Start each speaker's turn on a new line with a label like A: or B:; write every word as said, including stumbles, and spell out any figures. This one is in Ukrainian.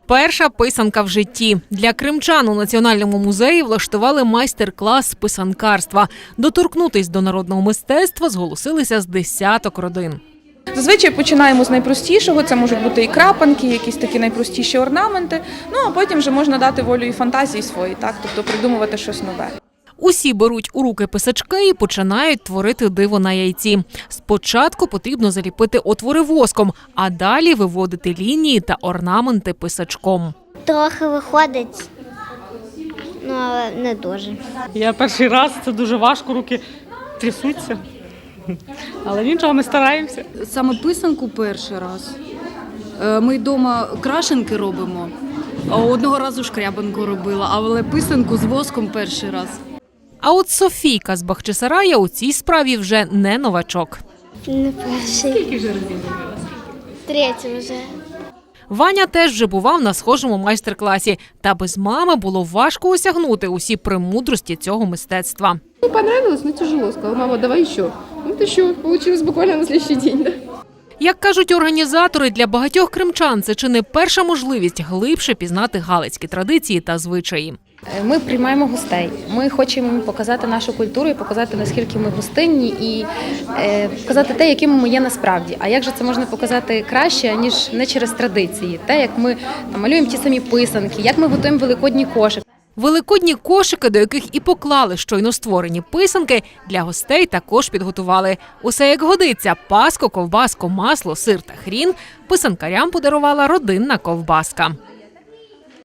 A: Перша писанка в житті. Для кримчан у Національному музеї влаштували майстер-клас з писанкарства. Доторкнутись до народного мистецтва зголосилися з десяток родин.
B: Зазвичай починаємо з найпростішого, це можуть бути і крапанки, якісь такі найпростіші орнаменти, ну а потім вже можна дати волю і фантазії свої, так, тобто придумувати щось нове.
A: Усі беруть у руки писачки і починають творити диво на яйці. Спочатку потрібно заліпити отвори воском, а далі виводити лінії та орнаменти писачком.
C: Трохи виходить, ну але не дуже.
D: Я перший раз, це дуже важко, руки трясуться. Але нічого, ми стараємося.
E: Саме писанку перший раз. Ми вдома крашенки робимо, а одного разу шкрябанку робила, але писанку з воском перший раз.
A: А от Софійка з Бахчисарая у цій справі вже не новачок.
C: Не перший.
E: Скільки вже разів робила?
C: Третій вже.
A: Ваня теж вже бував на схожому майстер-класі. Та без мами було важко осягнути усі премудрості цього мистецтва.
F: Мне понравилось, но тяжело. Сказала, мама, давай еще. Вот еще. Получилось буквально на следующий день. Да?
A: Як кажуть організатори, для багатьох кримчан це чи не перша можливість глибше пізнати галицькі традиції та звичаї.
G: Ми приймаємо гостей. Ми хочемо їм показати нашу культуру і показати, наскільки ми гостинні, і е, показати те, якими ми є насправді. А як же це можна показати краще, ніж не через традиції? Те, як ми там, малюємо ті самі писанки, як ми готуємо великодні кошики.
A: Великодні кошики, до яких і поклали щойно створені писанки, для гостей також підготували. Усе як годиться – паску, ковбаску, масло, сир та хрін – писанкарям подарувала родинна ковбаска.